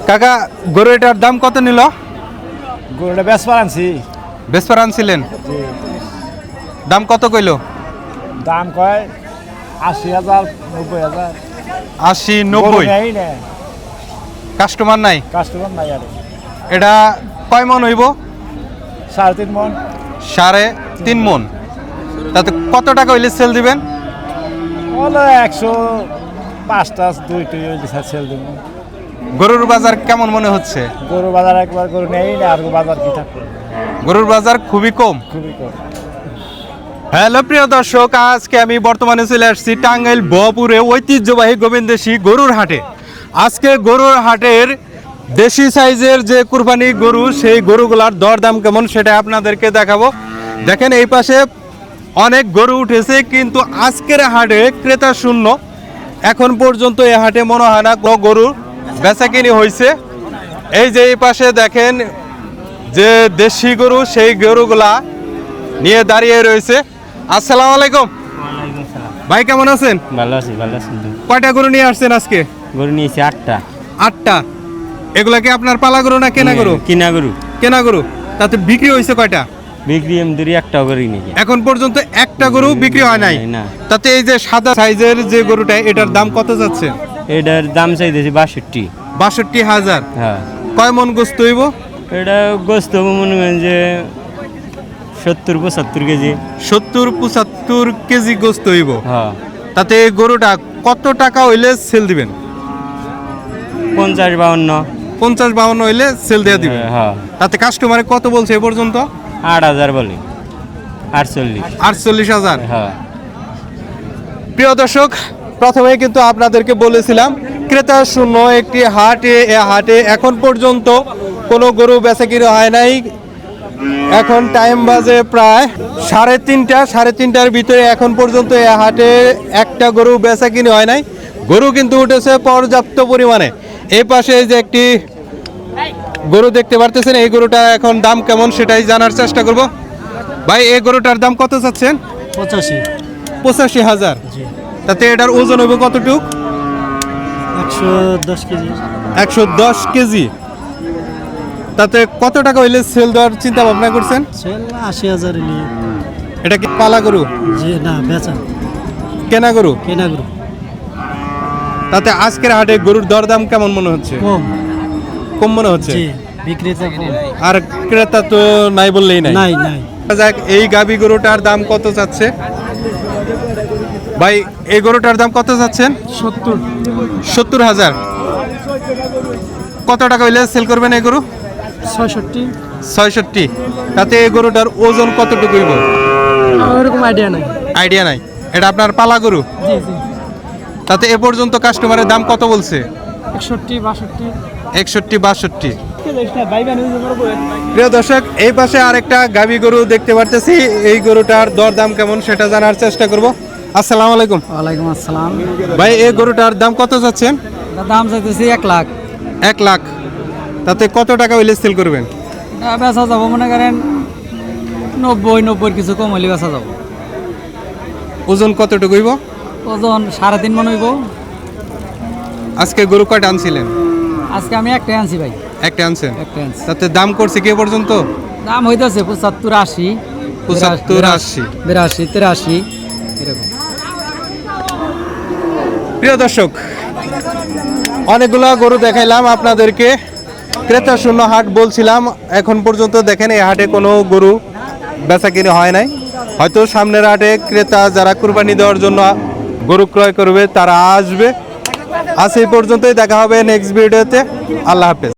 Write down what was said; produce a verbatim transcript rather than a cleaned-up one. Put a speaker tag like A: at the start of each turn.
A: কাকা গরু এটার দাম কত নিল?
B: গরুটা বেসপার আনছি।
A: বেসপার আনছিলেন, দাম কত কইল?
B: দাম কয় আশি হাজার নব্বই হাজার।
A: আশি নব্বই। কাস্টমার নাই?
B: কাস্টমার নাই। আর
A: এটা কয় মন হইব?
B: সাড়ে তিন মন।
A: সাড়ে তিন মন। তাতে কত টাকা হইলে সেল দিবেন?
B: হলো একশো পাঁচটা দুইটি সেল দিব।
A: গরুর বাজার কেমন মনে হচ্ছে?
B: গরুর বাজার একবার গরু নেই না, আর বাজার কি থাকবে?
A: গরুর বাজার খুবই কম।
B: খুবই কম।
A: হ্যালো প্রিয় দর্শক, আজকে আমি বর্তমানে চলে আসছি টাঙ্গাইল বপুরে ঐতিহ্যবাহী গোবিন্দেশী গরুর হাটে। আজকে গরুর হাটের দেশি সাইজের যে কুরবানি গরু, সেই গরুগুলার দরদাম কেমন সেটা আপনাদেরকে দেখাবো। দেখেন এই পাশে অনেক গরু উঠেছে, কিন্তু আজকের হাটে ক্রেতা শূন্য। এখন পর্যন্ত এই হাটে মনে হয় না কোনো গরুর বেচাকিনি হয়েছে। এই যে এই পাশে দেখেন যে দেশি গরু, সেই গরুগুলা নিয়ে দাঁড়িয়ে রয়েছে। আসসালামু আলাইকুম ভাই, কেমন আছেন?
C: ভালো আছি, ভালো আছি।
A: কয়টা গরু নিয়ে আসছেন আজকে?
C: গরু নিয়েছি আটটা।
A: আটটা। এগুলা কি আপনার পালা গরু না কেনা গরু?
C: কিনা গরু।
A: কেনা গরু। তাতে বিক্রি হয়েছে কয়টা?
C: বিক্রি এম দুরি একটা গরু নিয়ে।
A: এখন পর্যন্ত একটা গরু বিক্রি হয় নাই।
C: না।
A: তাতে এই যে সাদা সাইজের যে গরুটা, এটার দাম কত যাচ্ছে?
C: এটার দাম চাইতেছি বাষট্টি।
A: বাষট্টি হাজার।
C: হ্যাঁ।
A: কয় মন গোস্ত হইব?
C: এটা গোস্ত মনে করেন যে সত্তর পঁচাত্তর কেজি।
A: সত্তর পঁচাত্তর কেজি গোস্ত হইব।
C: হ্যাঁ।
A: তাতে এই গরুটা কত টাকা হইলে সেল দিবেন?
C: পঞ্চাশ বাউন্ন।
A: পঞ্চাশ বাউন্ন হইলে সেল দিয়ে দিবেন।
C: হ্যাঁ।
A: তাতে কাস্টমারে কত বলছে এ পর্যন্ত?
C: আট হাজার বলে। আটচল্লিশ।
A: আটচল্লিশ হাজার।
C: হ্যাঁ।
A: প্রিয় দর্শক, প্রথমে কিন্তু আপনাদেরকে বলেছিলাম ক্রেতা শূন্য একটি হাটে। এ হাটে এখন পর্যন্ত কোনো গরু বেচাকিনি হয় নাই। এখন টাইম বাজে প্রায় সাড়ে তিনটা। সাড়ে তিনটার ভিতরে এখন পর্যন্ত এ হাটে একটা গরু বেচাকিনি হয় নাই। গরু কিন্তু উঠেছে পর্যাপ্ত পরিমাণে। এই পাশে যে একটি গরু দেখতে পারতেছেন, এই গরুটা এখন দাম কেমন সেটাই জানার চেষ্টা করব। ভাই, এই গরুটার দাম কত চাচ্ছেন?
B: পঁচাশি।
A: পঁচাশি হাজার। তাতে এটার ওজন হবে কতটুক?
B: একশো দশ কেজি।
A: একশো দশ কেজি। তাতে কত টাকা হইলে সেল দেওয়ার চিন্তা ভাবনা করছেন?
B: সেল আশি হাজার নিয়ে।
A: এটা কি পালা গরু?
B: জি না, বেচা।
A: কেনা গরু।
B: কেনা গরু।
A: তাতে আজকের হাটে গরুর দরদাম কেমন মনে হচ্ছে?
B: কম।
A: কম মনে হচ্ছে।
B: জি, বিক্রেতা কম।
A: আর ক্রেতা তো নাই বললেই নাই।
B: নাই নাই।
A: যাক, এই গাবি গরুটার দাম কত চাচ্ছে ভাই? এই গরুটার দাম কত চাচ্ছেন?
B: সত্তর।
A: সত্তর হাজার। কত টাকা হইলে সেল করবেন এই গরু?
B: ছয়ষট্টি।
A: ছয়ষট্টি। তাতে এই গরুটার ওজন কতটুকু হইব?
B: ওরকম আইডিয়া নাই।
A: আইডিয়া নাই। এটা আপনার পালা গরু?
B: জি জি।
A: তাতে এ পর্যন্ত কাস্টমারের দাম কত বলছে?
B: একষট্টি বাষট্টি।
A: একষট্টি বাষট্টি। প্রিয় দর্শক, এই পাশে আরেকটা গাবি গরু দেখতে পারতেছি। এই গরুটার দরদাম কেমন সেটা জানার চেষ্টা করব। আসসালামু আলাইকুম।
B: ওয়ালাইকুম আসসালাম।
A: ভাই, এই গরুটার দাম কত চাচ্ছেন?
B: দাম চাইতেছি এক লাখ।
A: এক লাখ। তাতে কত টাকা হইলে সেল করবেন?
B: বেচা যাবো মনে করেন নব্বই নব্বই কিছু কম হইলে বেচা যাবো।
A: ওজন কতটুকু হইব?
B: ওজন সাড়ে তিন মন হইব।
A: আজকে গরু কয়টা আনছিলেন?
B: আজকে আমি একটাই আনছি ভাই।
A: একটা আনছেন?
B: একটা আনছি।
A: তাতে দাম করছে কি এ পর্যন্ত?
B: দাম হইতেছে পঁচাত্তর আশি।
A: পঁচাত্তর আশি।
B: বিরাশি তিরাশি এরকম।
A: প্রিয় দর্শক, অনেকগুলো গরু দেখাইলাম আপনাদেরকে। ক্রেতা শূন্য হাট বলছিলাম। এখন পর্যন্ত দেখেন এই হাটে কোনো গরু বেচাকিনি হয় নাই। হয়তো সামনের হাটে ক্রেতা যারা কুরবানি দেওয়ার জন্য গরু ক্রয় করবে তারা আসবে। আজ এই পর্যন্তই, দেখা হবে নেক্সট ভিডিওতে। আল্লাহ হাফেজ।